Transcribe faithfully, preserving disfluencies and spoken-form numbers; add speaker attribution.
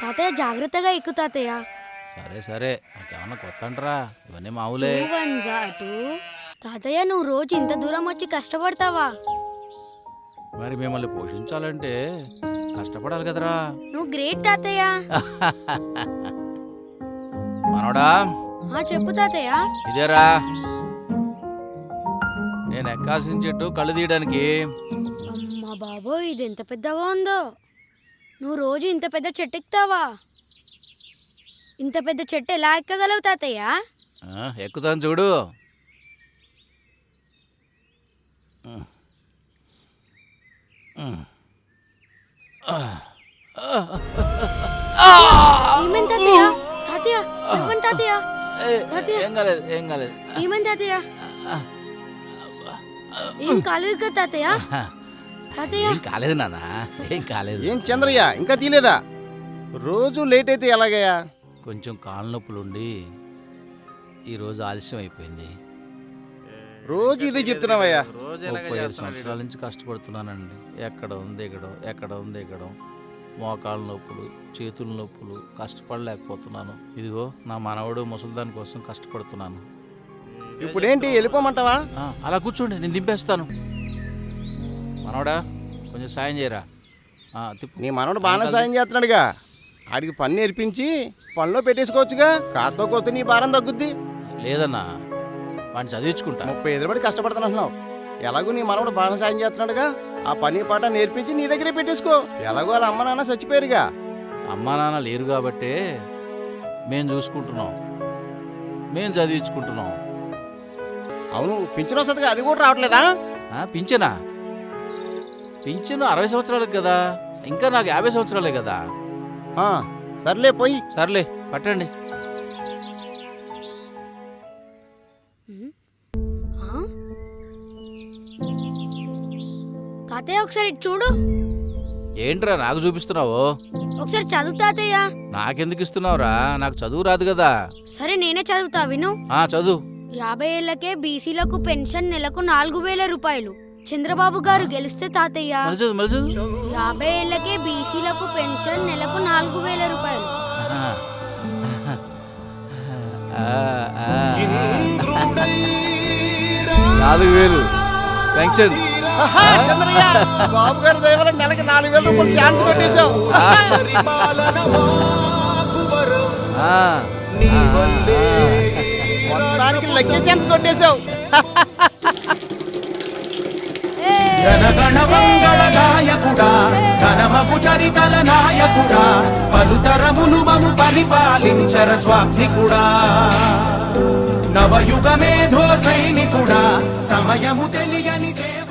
Speaker 1: తాతయ్య జాగ్రత్తగా ఎక్కు తాతయ్య.
Speaker 2: సరే సరే నాకేమన్నా కొత్త అంటరా, ఇవన్నీ మామూలే.
Speaker 1: టూ వన్ జా టూ. తాతయ్య నువ్వు రోజు ఇంత దూరం వచ్చి కష్టపడతావా?
Speaker 2: మరి మిమ్మల్ని పోషించాలంటే కష్టపడాలి కదరా.
Speaker 1: నువ్వు గ్రేట్ తాతయ్య.
Speaker 2: మనోడా
Speaker 1: ఆ చెప్పు తాతయ్య.
Speaker 2: ఇదేరా నేను ఎక్కాల్సిన చెట్టు కళ్ళు తీయడానికి.
Speaker 1: అమ్మా బాబోయ్, ఇది ఎంత పెద్దగా ఉందో. నువ్వు రోజు ఇంత పెద్ద చెట్టు ఎక్కుతావా? ఇంత పెద్ద చెట్టు ఎలా ఎక్కగలవు తాతయ్య?
Speaker 2: ఆ, ఎక్కుతాను చూడు.
Speaker 1: ఏమైంది తాతయ్య? తాతయ్య ఇవ్వండి తాతయ్య. తాతయ్య
Speaker 2: ఏం కాలేదు ఏం కాలేదు.
Speaker 1: ఏమైంది తాతయ్య? ఏం కాలేదు కదా తాతయ్య? తాతయ్య
Speaker 2: ఏం కాలేదు నాన్న, ఏం కాలేదు.
Speaker 3: ఏం చంద్రయ్య ఇంకా తీలేదా? రోజు లేట్ అయితే ఎలాగయ్యా?
Speaker 2: కొంచెం కాళ్ళ నొప్పులుండి ఈరోజు ఆలస్యం అయిపోయింది.
Speaker 3: రోజు ఇదే చెప్తున్నావయ్యా.
Speaker 2: ముప్పై ఐదు సంవత్సరాల నుంచి కష్టపడుతున్నానండి. ఎక్కడ ఉంది ఎక్కడం, ఎక్కడ ఉంది ఎక్కడం, మోకాళ్ళ నొప్పులు, చేతుల నొప్పులు, కష్టపడలేకపోతున్నాను. ఇదిగో నా మనవడు ముసలిదాని కోసం కష్టపడుతున్నాను.
Speaker 3: ఇప్పుడేంటి వెళ్ళిపోమంటావా?
Speaker 2: ఆ, అలా కూర్చోండి, నేను దింపేస్తాను. మనవడా కొంచెం సాయం చేయరా. ఆ, తిప్పు.
Speaker 3: నీ మనవడు బాగానే సాయం చేస్తున్నాడుగా. ఆడికి పని నేర్పించి పనిలో పెట్టేసుకోవచ్చుగా. కాస్త కోస్తే నీ భారం తగ్గుద్ది.
Speaker 2: లేదన్నా, వాడిని చదివించుకుంటా.
Speaker 3: ముప్పై ఐదు పడి కష్టపడుతున్నావు. ఎలాగో నీ మనవడు బాగానే సాయం చేస్తున్నాడుగా. ఆ పని పాట నేర్పించి నీ దగ్గరే పెట్టేసుకో. ఎలాగో వాళ్ళ అమ్మ నాన్న చచ్చిపోయారుగా.
Speaker 2: అమ్మా నాన్న లేరు కాబట్టే మేం చూసుకుంటున్నాం, మేం చదివించుకుంటున్నాం.
Speaker 3: అవును, పింఛన్ వస్తుందిగా, అది కూడా రావట్లేదా?
Speaker 2: పింఛనా? పింఛను అరవై సంవత్సరాలకు కదా, ఇంకా నాకు యాభై సంవత్సరాలే కదా.
Speaker 3: ఆ, సర్లే పోయి.
Speaker 2: సర్లే పట్టండి.
Speaker 1: తాతయ్య ఒకసారి ఇటు చూడు.
Speaker 2: ఏంట్రా నాకు చూపిస్తున్నావు?
Speaker 1: ఒకసారి చదువు తాతయ్య.
Speaker 2: నాకెందుకు ఇస్తున్నావురా? నాకు చదువు రాదు కదా.
Speaker 1: సరే నేనే చదువుతా విను.
Speaker 2: ఆ చదువు.
Speaker 1: యాభై ఏళ్లకే బీసీలకు పెన్షన్ నెలకు నాలుగు వేల రూపాయలు. చంద్రబాబు గారు గెలిస్తే తాతయ్య యాభై ఏళ్లకే బీసీలకు పెన్షన్ నెలకు నాలుగు వేల రూపాయలు.
Speaker 2: నాలుగు వేలు పెన్షన్.
Speaker 3: చంద్రయ్య, బాబు గారి దయ వల్ల నెలకి నాలుగు వేల రూపాయలు ఛాన్స్ కొట్టేశావు. మొత్తానికి లక్కీ ఛాన్స్ కొట్టేశావు.
Speaker 4: జనగణమంగళ నాయకుడా, ఘనమగు చరితల నాయకుడా, పలుతరములు మము పరిపాలించర స్వామికుడా, నవయుగ మేధో సైనికుడా, సమయము తెలియని సేవ